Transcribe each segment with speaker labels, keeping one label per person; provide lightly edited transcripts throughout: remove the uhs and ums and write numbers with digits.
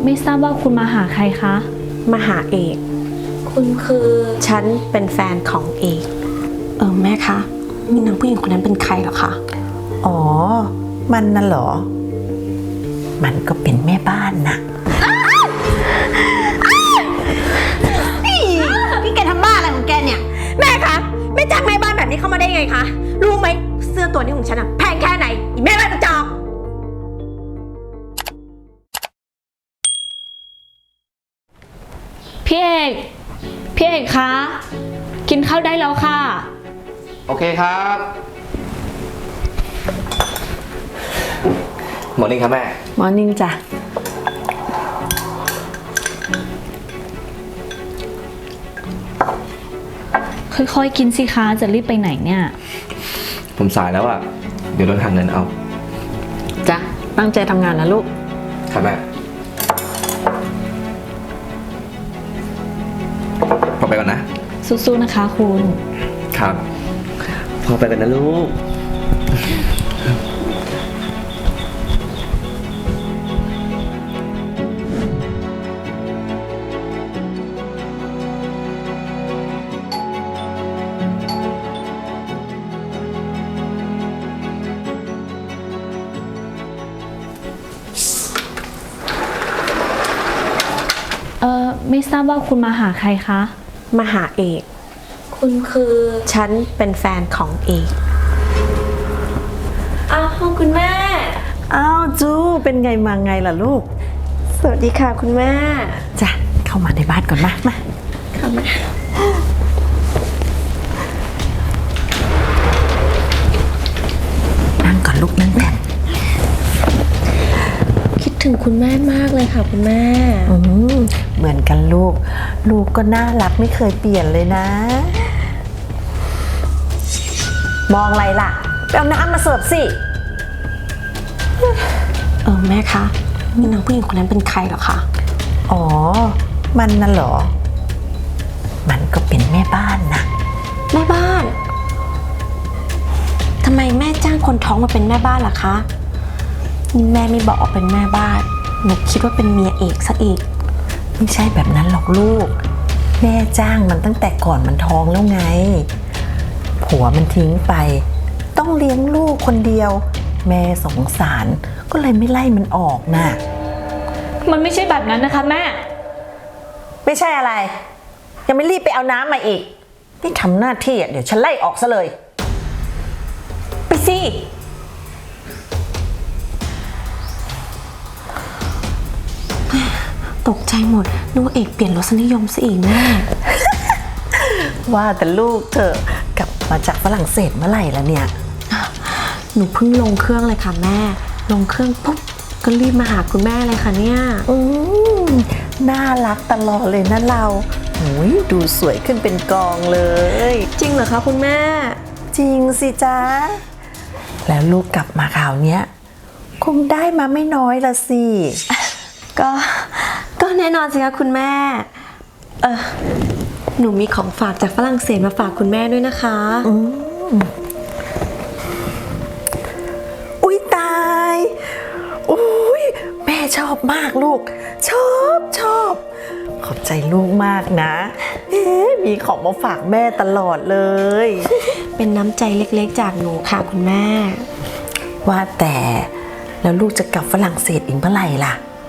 Speaker 1: ไม่ทราบว่าคุณมาหาใครคะ
Speaker 2: มาหาเอกคุณคือฉันเป็นแฟนของเอกแม่คะนี่นางผู้หญิงคนนั้นเป็นใครเหรอคะ
Speaker 3: อ๋อมันน่ะเหรอมันก็เป็นแม่บ้านนะ
Speaker 2: นี่แกทำบ้าอะไรของแกเนี่ยแม่คะแม่จ้างแม่บ้านแบบนี้เข้ามาได้ไงคะรู้ไหมเสื้อตัวนี้ของฉันอะแพงแค่ไหนอีแม่บ้านกระจอก
Speaker 1: พี่เอกคะกินข้าวได้แล้วค่ะ
Speaker 4: โอเคครับหมอนิ่งครับแม่
Speaker 3: มอร์นิ่งจ้ะ
Speaker 1: ค่อยๆกินสิคะจะรีบไปไหนเนี่ย
Speaker 4: ผมสายแล้วอ่ะเดี๋ยวโดนหักเงินเอา
Speaker 3: จ้ะตั้งใจทำงานนะลูก
Speaker 4: ครับแม่พอไปก่อนนะ
Speaker 1: สู้ๆนะคะคุณ
Speaker 4: ครับพอไปกันนะลูก
Speaker 1: ไม่ทราบว่าคุณมาหาใครคะ
Speaker 2: มาหาเอกคุณคือฉันเป็นแฟนของเอกอ้าวคุณแม่
Speaker 3: อ้าวจูเป็นไงมาไงล่ะลูก
Speaker 2: สวัสดีค่ะคุณแม่
Speaker 3: จ้ะเข้ามาในบ้านก่อนมา
Speaker 2: ค่ะแม่
Speaker 3: นั่งก่อนลูกนั่งก่อน
Speaker 2: คิดถึงคุณแม่มากเลยค่ะคุณแม่
Speaker 3: เหมือนกันลูกก็น่ารักไม่เคยเปลี่ยนเลยนะมองอะไรล่ะไปเอาน้ำมาเสิร์ฟสิ
Speaker 2: แม่คะนี่นางผู้หญิงคนนั้นเป็นใครเหรอคะ
Speaker 3: อ๋อมันน่ะเหรอมันก็เป็นแม่บ้านนะ
Speaker 2: แม่บ้านทำไมแม่จ้างคนท้องมาเป็นแม่บ้านล่ะคะแม่ไม่บอกว่าเป็นแม่บ้านหนูคิดว่าเป็นเมียเอกซะอีก
Speaker 3: ไม่ใช่แบบนั้นหรอกลูกแม่จ้างมันตั้งแต่ก่อนมันท้องแล้วไงผัวมันทิ้งไปต้องเลี้ยงลูกคนเดียวแม่สงสารก็เลยไม่ไล่มันออกน่ะ
Speaker 1: มันไม่ใช่แบบนั้นนะคะแม่
Speaker 3: ไม่ใช่อะไรยังไม่รีบไปเอาน้ำมาอีกนี่ทำหน้าที่เดี๋ยวฉันไล่ออกซะเลยไปสิ
Speaker 2: ตกใจหมดนึกว่าเอกเปลี่ยนรสนิยมซะอีกแม่
Speaker 3: ว่าแต่ลูกเธอกลับมาจากฝรั่งเศสเมื่อไหร่แล้วเนี่ย
Speaker 2: หนูเพิ่งลงเครื่องเลยค่ะแม่ลงเครื่องปุ๊บก็รีบมาหาคุณแม่เลยค่ะเนี่ย
Speaker 3: น่ารักตลอดเลยนะเราดูสวยขึ้นเป็นกองเลย
Speaker 2: จริงเหรอคะคุณแม่
Speaker 3: จริงสิจ๊ะแล้วลูกกลับมาคราวเนี้ยคงได้มาไม่น้อยละสิ
Speaker 2: ก็แน่นอนสิคะคุณแม่หนูมีของฝากจากฝรั่งเศสมาฝากคุณแม่ด้วยนะคะ
Speaker 3: อุ๊ยตายอุ๊ยแม่ชอบมากลูกชอบขอบใจลูกมากนะมีของมาฝากแม่ตลอดเลย
Speaker 2: เป็นน้ำใจเล็กๆจากหนูค่ะคุณแม่
Speaker 3: ว่าแต่แล้วลูกจะกลับฝรั่งเศสอีกเมื่อไหร่ล่ะ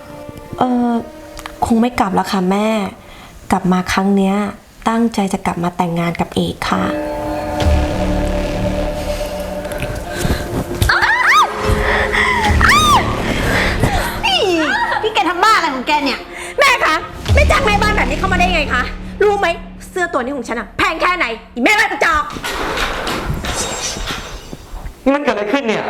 Speaker 2: คงไม่กลับแล้วค่ะแม่กลับมาครั้งเนี้ยตั้งใจจะกลับมาแต่งงานกับเอกค่ะนี่แกทำบ้าอะไรของแกเนี่ยแม่คะแม่จ้างแม่บ้านแบบนี้เข้ามาได้ไงคะรู้ไหมเสื้อตัวนี้ของฉันอะแพงแค่ไหนอีแม่บ้านกระจอก
Speaker 4: นี่มันเกิดอะไรขึ้นเนี่ย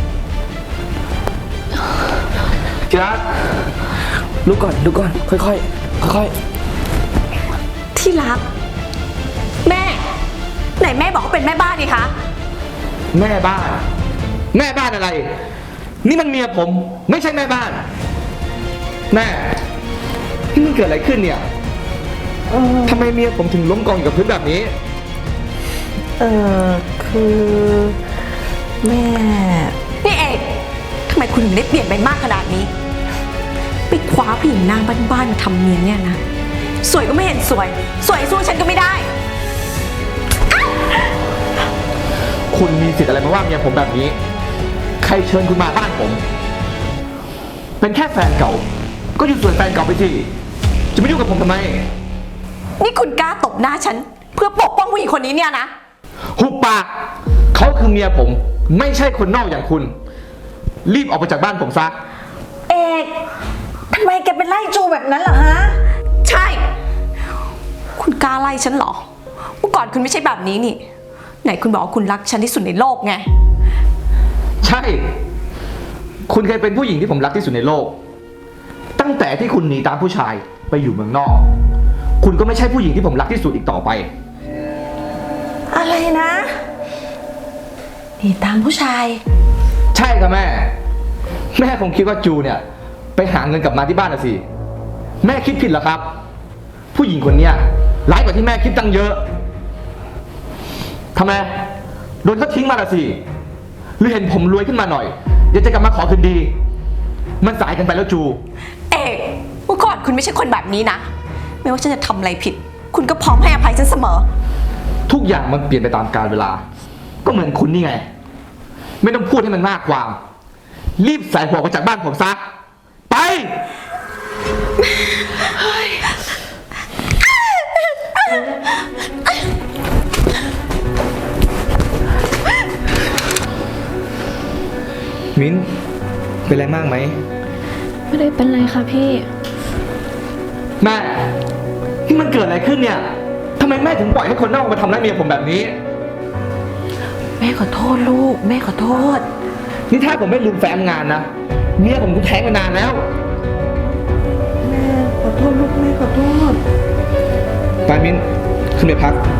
Speaker 4: จัดลุกก่อนค่อย
Speaker 2: ที่รักแม่ไหนแม่บอกว่าเป็นแม่บ้านนี่คะ
Speaker 4: แม่บ้านอะไรนี่มันเมียผมไม่ใช่แม่บ้านแม่นี่มันเกิดอะไรขึ้นเนี่ยทำไมเมียผมถึงล้มกองอยู่กับพื้นแบบนี้
Speaker 3: คือแม่
Speaker 2: นี่เอกทำไมคุณถึงได้เปลี่ยนไปมากขนาดนี้ไปคว้าผู้หญิงนางบ้านๆมาทำเมียเนี่ยนะ สวยก็ไม่เห็นสวย สวยสู้ฉันก็ไม่ได้
Speaker 4: คุณมีสิทธิ์อะไรมาว่าเมียผมแบบนี้ ใครเชิญคุณมาบ้านผม เป็นแค่แฟนเก่า ก็อยู่ส่วนแฟนเก่าไปสิ จะไม่ยุ่งกับผมทำไม
Speaker 2: นี่คุณกล้าตบหน้าฉัน เพื่อปกป้องผู้หญิงคนนี้เนี่ยนะ
Speaker 4: หุบปาก เขาคือเมียผม ไม่ใช่คนนอกอย่างคุณ รีบออกไปจากบ้านผมซะ
Speaker 3: เอกทำไมแกเป็นไล่จูแบบนั้นเหรอฮะ
Speaker 2: ใช่ คุณกล้าไล่ฉันเหรอ เมื่อก่อนคุณไม่ใช่แบบนี้นี่ ไหนคุณบอกว่าคุณรักฉันที่สุดในโลกไง
Speaker 4: ใช่ คุณเคยเป็นผู้หญิงที่ผมรักที่สุดในโลก ตั้งแต่ที่คุณหนีตามผู้ชายไปอยู่เมืองนอก คุณก็ไม่ใช่ผู้หญิงที่ผมรักที่สุดอีกต่อไป
Speaker 3: อะไรนะนี่ตามผู้ชาย
Speaker 4: ใช่ครับแม่ แม่คงคิดว่าจูเนี่ย ไปหาเงินกลับมาที่บ้านน่ะสิ แม่คิดผิดเหรอครับ ผู้หญิงคนเนี้ยร้ายกว่าที่แม่คิดตั้งเยอะทำไมโดนเขาทิ้งมาละสิ หรือเห็นผมรวยขึ้นมาหน่อยอยากจะกลับมาขอคืนดี มันสายกันไปแล้วจู
Speaker 2: เอกเมื่อก่อนคุณไม่ใช่คนแบบนี้นะ ไม่ว่าฉันจะทำอะไรผิด คุณก็พร้อมให้อภัยฉันเสมอ
Speaker 4: ทุกอย่างมันเปลี่ยนไปตามกาลเวลา ก็เหมือนคุณนี่ไง ไม่ต้องพูดให้มันมากความ รีบใส่หัวออกจากบ้านผมซะ ไป มิ้น เป็นไรมากไหม
Speaker 1: ไม่ได้เป็นไรค่ะพี่
Speaker 4: แม่ที่มันเกิดอะไรขึ้นเนี่ยทำไมแม่ถึงปล่อยให้คนนอกมาทำร้ายเมียผมแบบนี้
Speaker 3: แม่ขอโทษลูก แม่ขอโทษ
Speaker 4: นี่ถ้าผมไม่ลืมแฟ้มงานนะ เมียผมกูแท้งมานานแล้ว
Speaker 3: แม่ขอโทษลูก แม่ขอโทษ
Speaker 4: ไปมิ้น ขึ้นไปพัก